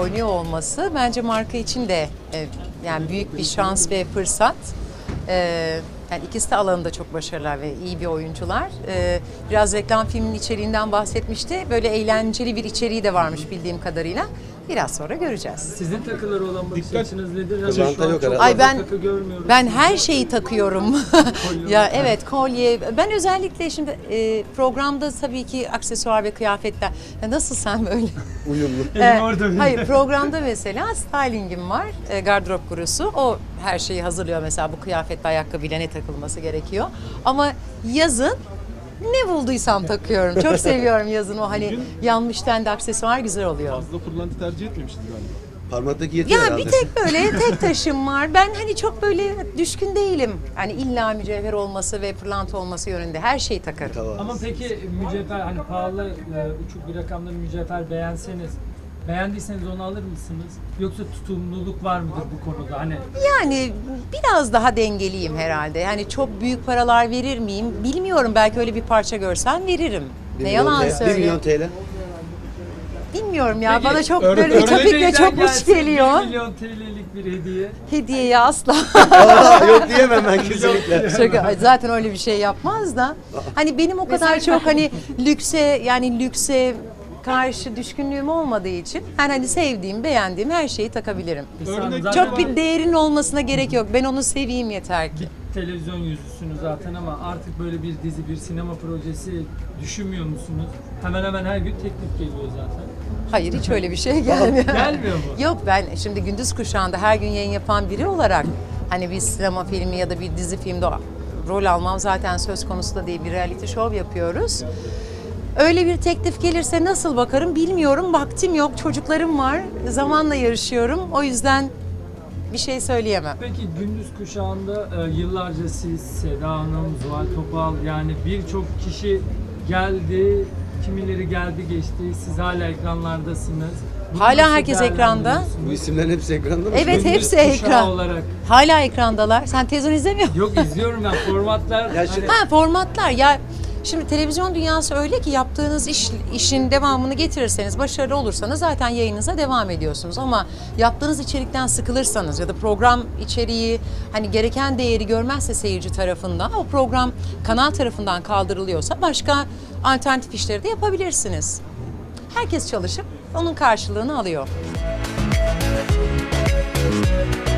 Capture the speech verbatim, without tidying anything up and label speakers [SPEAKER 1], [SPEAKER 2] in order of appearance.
[SPEAKER 1] oynuyor olması bence marka için de e, yani büyük bir şans ve fırsat. E, yani ikisi de alanında çok başarılılar ve iyi bir oyuncular. E, biraz reklam filminin içeriğinden bahsetmişti. Böyle eğlenceli bir içeriği de varmış bildiğim kadarıyla. Biraz sonra göreceğiz.
[SPEAKER 2] Sizin takılara olan bakış
[SPEAKER 3] Dikkat.
[SPEAKER 2] açınız nedir?
[SPEAKER 3] Kızılanta yok herhalde.
[SPEAKER 1] Ay ben
[SPEAKER 2] takı görmüyoruz.
[SPEAKER 1] ben her şeyi takıyorum. Ya evet, kolye. Ben özellikle şimdi e, programda tabii ki aksesuar ve kıyafetler. Ya nasıl sen böyle?
[SPEAKER 3] Uyumlu.
[SPEAKER 2] Elim
[SPEAKER 1] Evet,
[SPEAKER 2] orada bir-
[SPEAKER 1] hayır, programda mesela stylingim var, e, gardırop gurusu. O her şeyi hazırlıyor, mesela bu kıyafet, ayakkabıyla ne takılması gerekiyor. Ama yazın ne bulduysam takıyorum. Çok seviyorum yazın o hani yanmış tendi aksesuar güzel oluyor.
[SPEAKER 4] Fazla pırlanta tercih etmemişiz galiba.
[SPEAKER 3] Parmaktaki yetiyor
[SPEAKER 1] Ya
[SPEAKER 3] herhalde.
[SPEAKER 1] bir tek böyle tek taşım var. Ben hani çok böyle düşkün değilim. Hani illa mücevher olması ve pırlanta olması yönünde her şeyi takarım.
[SPEAKER 3] Tamam.
[SPEAKER 2] Ama peki mücevher hani pahalı e, uçuk bir rakamda bir mücevher beğenseniz beğendiyseniz onu alır mısınız? Yoksa tutumluluk var mıdır bu konuda? Hani
[SPEAKER 1] Yani biraz daha dengeliyim herhalde. Yani çok büyük paralar verir miyim? Bilmiyorum. Belki öyle bir parça görsem veririm.
[SPEAKER 3] Bir
[SPEAKER 1] Ne
[SPEAKER 3] milyon
[SPEAKER 1] yalan
[SPEAKER 3] T L bir
[SPEAKER 1] söyleyeyim.
[SPEAKER 3] milyon T L.
[SPEAKER 1] Bilmiyorum ya.
[SPEAKER 2] Peki,
[SPEAKER 1] Bana çok
[SPEAKER 4] örnek-
[SPEAKER 1] böyle ütopik ve
[SPEAKER 2] Örneğden
[SPEAKER 1] çok uç
[SPEAKER 2] gelse
[SPEAKER 1] geliyor.
[SPEAKER 2] bir milyon T L'lik bir hediye.
[SPEAKER 1] Hediyeye asla.
[SPEAKER 3] Aa, yok diyemem ben kesinlikle.
[SPEAKER 1] Şaka, zaten öyle bir şey yapmaz da. Hani benim o kadar çok hani lükse yani lükse karşı düşkünlüğüm olmadığı için ben hani sevdiğim, beğendiğim her şeyi takabilirim.
[SPEAKER 4] Örnek-
[SPEAKER 2] Zaten
[SPEAKER 1] Çok bir değerin olmasına gerek yok. Ben onu seveyim yeter ki.
[SPEAKER 2] televizyon yüzüsünüz zaten ama artık böyle bir dizi, bir sinema projesi düşünmüyor musunuz? Hemen hemen her gün teklif geliyor zaten.
[SPEAKER 1] Hayır, hiç öyle bir şey gelmiyor.
[SPEAKER 2] Gelmiyor mu?
[SPEAKER 1] Yok, ben şimdi gündüz kuşağında her gün yayın yapan biri olarak hani bir sinema filmi ya da bir dizi filmde rol almam zaten söz konusu da değil, bir reality show yapıyoruz. Öyle bir teklif gelirse nasıl bakarım bilmiyorum. Vaktim yok, çocuklarım var, zamanla yarışıyorum. O yüzden bir şey söyleyemem.
[SPEAKER 2] Peki gündüz kuşağında e, yıllarca siz, Seda Hanım, Zuhal Topal yani birçok kişi geldi, kimileri geldi geçti, siz hala ekranlardasınız. Bunu
[SPEAKER 1] Hala
[SPEAKER 2] nasıl
[SPEAKER 1] herkes ekranda.
[SPEAKER 2] değerlendiriyorsunuz?
[SPEAKER 3] Bu isimlerin hepsi ekranda mı?
[SPEAKER 1] Evet,
[SPEAKER 2] Gündüz
[SPEAKER 1] hepsi
[SPEAKER 2] kuşağı
[SPEAKER 1] ekran.
[SPEAKER 2] olarak.
[SPEAKER 1] Hala ekrandalar. Sen televizyon izlemiyor musun?
[SPEAKER 2] Yok izliyorum ben formatlar.
[SPEAKER 3] Ya şimdi-
[SPEAKER 2] hani-
[SPEAKER 1] Ha, formatlar ya, şimdi televizyon dünyası öyle ki yaptığınız iş, işin devamını getirirseniz, başarılı olursanız zaten yayınınıza devam ediyorsunuz. Ama yaptığınız içerikten sıkılırsanız ya da program içeriği hani gereken değeri görmezse seyirci tarafından, o program kanal tarafından kaldırılıyorsa başka alternatif işleri de yapabilirsiniz. Herkes çalışıp onun karşılığını alıyor.